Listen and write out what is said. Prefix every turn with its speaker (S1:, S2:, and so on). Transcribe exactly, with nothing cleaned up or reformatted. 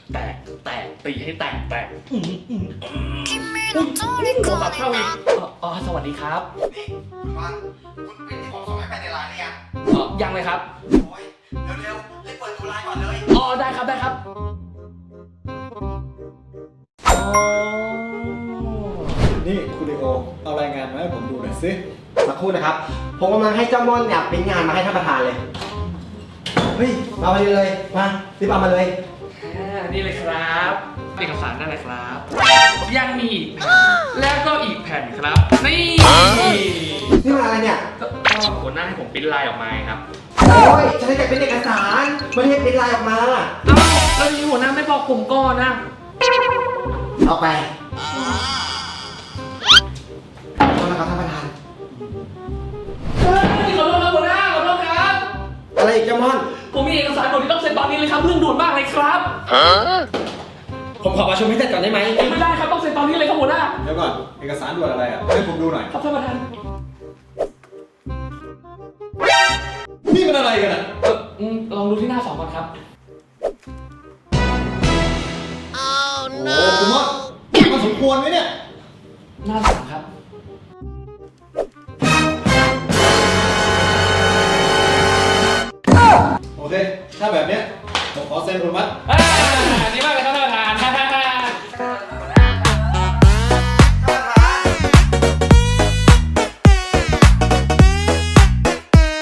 S1: แตกแตกตีให้แตกแตกอืมอืมอุ้ยโทรศัพท์เข้าอีกอ๋อสวัสดีครับ
S2: นี่มันคุณเป็นที่ผมส่งให้ไปในไลน์เนี่ย
S1: อ๋อยังเลยครับ
S2: โอ้ยเร็วๆรีบเปิดดูไลน์ก่อนเลย
S1: อ๋อได้ครับได้ครับอ๋อ
S3: นี่คุณลีโอเอารายงานมาให้ผมดูหน่อยสิ
S2: สักครู่นะครับ ผมกำลังให้เจ้าม่อนเนี่ยเป็นงานมาให้ท่านประธานเลย เฮ้ยมาไปเลยมารีบเอามาเลย
S1: อ่านี่เลยครับเอกสารได้เลยครับ ยังมีอีกแผ่นแล้วก็อีกแผ่นครับ นี่
S2: นี่มันอะไรเนี่ย
S1: ก็ก็หัวหน้าให้ผมปริ้นลายออกมาครับ
S2: โอ้ยจะให้แต่เป็นเอกสารไม่ได้เป็นไลน์ออกมา
S1: เอ้าแล้วที่หัวหน้าไม่บอกผมก่อนนะ
S2: ออกไปขอโทษนะครับท่านประธาน
S1: เฮ้ยขอโทษครับหัวหน้าขอโทษครับ
S2: อะไรอีกเจ้าม่อน
S1: ผมมีเอกสารด่วนที่ต้องเซ็นตอนนี้เลยครับเรื่องด่วนมากเลยครับ
S2: ผมขอประชุมให้เสร็จก่อนได้ไหม
S1: ไม่ได้ครับต้องเซ็นตอนนี้เลยครับหัวหน้า
S3: เดี๋ยวก่อนเอกสารด่วนอะไรอ่ะให้ผมดูหน่อย
S1: ครับท่านประธาน
S3: นี่มันอะไรกันอ่ะ
S1: เอออืมลองดูที่หน้าสองก่อนครับ
S3: โอ้คุณว่ามันสมควรไหมเนี่ย
S1: หน้าสามครับ
S3: โอเคถ้าแบบเนี้ยผมขอเซ็นอนุมัติ
S1: เอ้ย